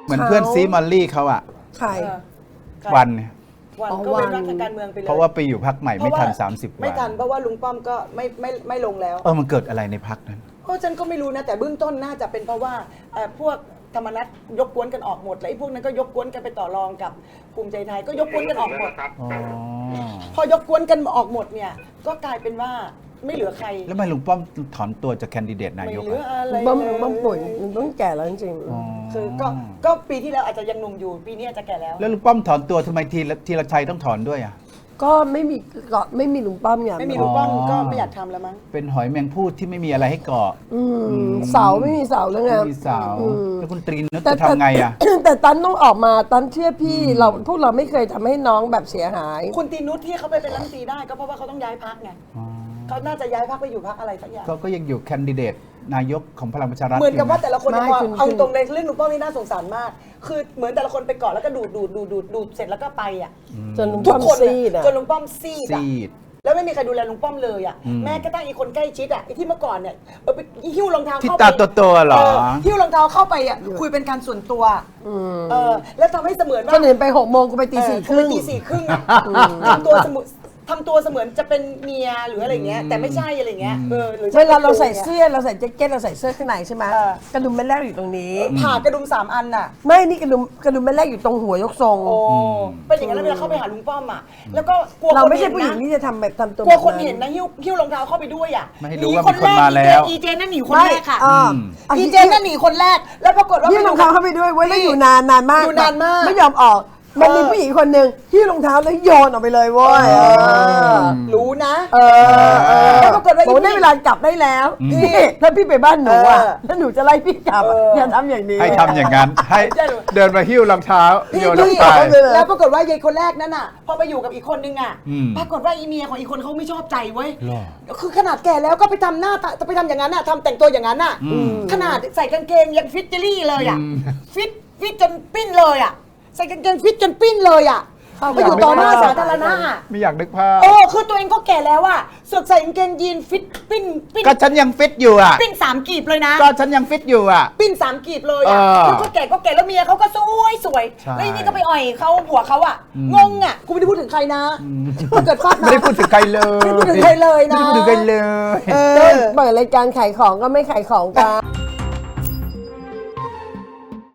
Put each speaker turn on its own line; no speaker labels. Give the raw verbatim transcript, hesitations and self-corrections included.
เหมือนเพื่อนซีมอลลี่เขาอะ
ใคร
วันเนี่ย
วัน
อ๋อ
ก็เป็น
วัน
รักทางการเมืองไปเลย
เพราะว่าไปอยู่พักใหม่ไม่ทัน สามสิบ วัน
ไม่ทันเพราะว่าลุงป้อมก็ไม่ไม่ไม่ลงแล้ว
เออมันเกิดอะไรในพักนั้น
ก็ฉันก็ไม่รู้นะแต่เบื้องต้นน่าจะเป็นเพราะว่าเอ่อพวกธรรมนัตยกกวนกันออกหมดแล้วไอ้พวกนั้นก็ยกกวนกันไปต่อรองกับภูมิใจไทยก็ยกกวนกันออกหมด
อ๋อ
พอยกกวนกันออกหมดเนี่ยก็กลายเป็นว่าไม่เหลือใคร
แล้วทำไมลุงป้อมถอนตัวจากแคนดิเดตนา
ไม่
ยก
เหลือ
อะ
อะไร
บ้ม
เลย
บ้มป่วยมันต้องแก่แล้วจริงๆ
อ๋อ
คือก็ก็ปีที่แล้วอาจจะยังหนุ่มอยู่ปีนี้อาจจะแก่แล้ว
แล้วลุงป้อมถอนตัวทำไมทีละทีละชัยต้องถอนด้วยอ่ะ
ก็ไม่มีก็ไม่มีลุงป้อมไง
ไม่มีลุงป้อม
อ๋อ
ก็ไม่อยากทำแล้วมั้ง
เป็นหอยแมงพูดที่ไม่มีอะไรให้เกาะ
อืมเสาไม่มีเสาแล้วไง
ไม่มีเสา
อืม
แล้วคุณตรีนุช
แต่
จะทำไงอ่ะ
แต่แต่ตันต้องออกมาตันเชื่อพี่เราพวกเราไม่เคยทำให้น้องแบบเสียหาย
คุณตีนุชที่เขาไปเป็นรัฐมนตรีได้ก็เพราะว่าเขาต้องย้ายพักไง
อ๋อ
เขาน่าจะย้ายพักไปอยู่พักอะไรสักอย่าง
ก็ก็ยังอยู่แคนดิเดตนายกของพลังประชารัฐ
เหมือนกับว่า
ยู่ะ
แต่ละคน
ไม่
เนี่ย
คุณ
เอา
คุณ
ตรงในเรื่องลุงป้อมนี่น่าสงสารมาก คือเหมือนแต่ละคนไปเกาะแล้วก็ดูดดูดดูดดูดดูดเสร็จแล้วก็ไปอ่ะ
จนลุง
ทุ
ป้
ก
อม
คน
ซีด
อะ
อ่ะ
จนลุงป้อมซีดอะ
ซีด
แล้วไม่มีใครดูแลลุงป้อมเลยอ่ะ
อืม
แม้กระทั่งอีกคนใกล้ชิดอ่ะไอ้ที่เมื่อก่อนเนี่ยเออไปหิ้วรองเท้า
ที่
เข้า
ตา
ไป
โตๆเหรอ
หิ้วรองเท้าเข้าไปอ่ะคุยเป็นการส่วนตัวเออแล้วทำให้เสมือนว่า
คนอื่นไปหกโมงกูไปตีสี่ครึ่ง
เออตีสี่ครึ่งอะทำตัวเสมือนทำตัวเสมือนจะเป็นเมียหรืออะไรเงี้ยแต่ไม่ใช่อะไรเงี้ยเออหรือ
เวลาเราใส่เสื้อเราใส่แจ็คเก็ตเราใส่เสื้อข้างในใช่ไหม
เออ
กระดุมแม่แรกอยู่ตรงนี้
ผ่ากระดุมสามอันน่ะ
ไม่นี่กระดุมกระดุมแม่แรกอยู่ตรงหัวยกทรง
โอ้เป็นอย่างนั้นแล้วเวลาเข้าไปหาลุงป้อมอ่ะแล้วก็กลัว
เรา
คน
ไม่ใช่
เห็น
ผู้หญิง
นะ
ที่จะทำแบบทำตัว
กลัวคน
แบบ
เห็นนะหิ้วหิ้วรองเท้าเข้าไปด้วยอ่ะ
ไม่ให้
ห
รู้
นี
ว่า
คน
มีคน
แรก
มาแล้ว
อีเจนนั่นหนีคน
ไม่
แรกค่ะ
อ่า
อืม
อีเจนนั่นหนีคนแรกแล้วปรากฏว่า
หิ้วรองเท้าเข้าไปด้วยเว้ยแล้วอยู่นานนานมาก
อยู่นานมาก
ไม่ยอมออก มันมีผู้หญิงคนหนึ่งหิ้วรองเท้าแล้วโยนออกไปเลยเว้ยเออ
รู้นะ
เออเออ
แล้วปรากฏว่า
บอกได้เวลากลับได้แล้ว
อืม
พี่ถ้าพี่ไปบ้านหนูอ่ะ
เออ
แล้วหนูจะไล่พี่กลับอะ
เออ
อย่าทำอย่างนี้
ให้ทำอย่างนั้น ให้
ใช่หรอ
เดินมาหิ้วรองเท้า
พี่
โยนลง
พี่
ไป
แล้วปรากฏว่ายายคนแรกนั่นน่ะพอไปอยู่กับอีกคนนึงอ่ะ
อืม
ปรากฏว่าอีเมียของอีกคนเขาไม่ชอบใจเว้ย
หรอ
คือขนาดแก่แล้วก็ไปทำหน้าตาจะไปทำอย่างนั้นอ่ะทำแต่งตัวอย่างนั้นอ่ะ
อืม
ขนาดใส่กางเกงยังฟิตเจอรี่เลยอ่ะ
อืม
ฟิตฟิตจนปิ้นเลยอ่ะใส่กางเกงฟิตจนปิ้นเลยอ่ะ
เข้า
ไปอยู่ต่อหน้าสาธารณะอะ
ไม่อยากนึกภาพ
โอ้คือตัวเองก็แก่แล้วอ่ะเสือกใส่กางเกงยีนฟิตปิ้นปิ้น
ก็ฉันยังฟิตอยู่อ่ะ
ปิ้นสามกีบเลยนะ
ก็ฉันยังฟิตอยู่อ่ะ
ปิ้นสามกีบเลยอ่ะ
เออ
แล้วก็แก่ก็แก่แล้วเมียเขาก็สวยสวย
ใช่
แล้วอีนี่ก็ไปอ่อยเขาหัวเขาอ่ะ
อืม
งงอ่ะกูไม่ได้พูดถึงใครนะเกิดฟาดนะ
ไม่ได้พูดถึงใครเลย
ไม่ได้พูดถึงใครเลยนะ
ไม่ได้พูดถึงใครเลย
เอ
เดิ
อ
นเปิดรายการขายของก็ไม่ขายของกัน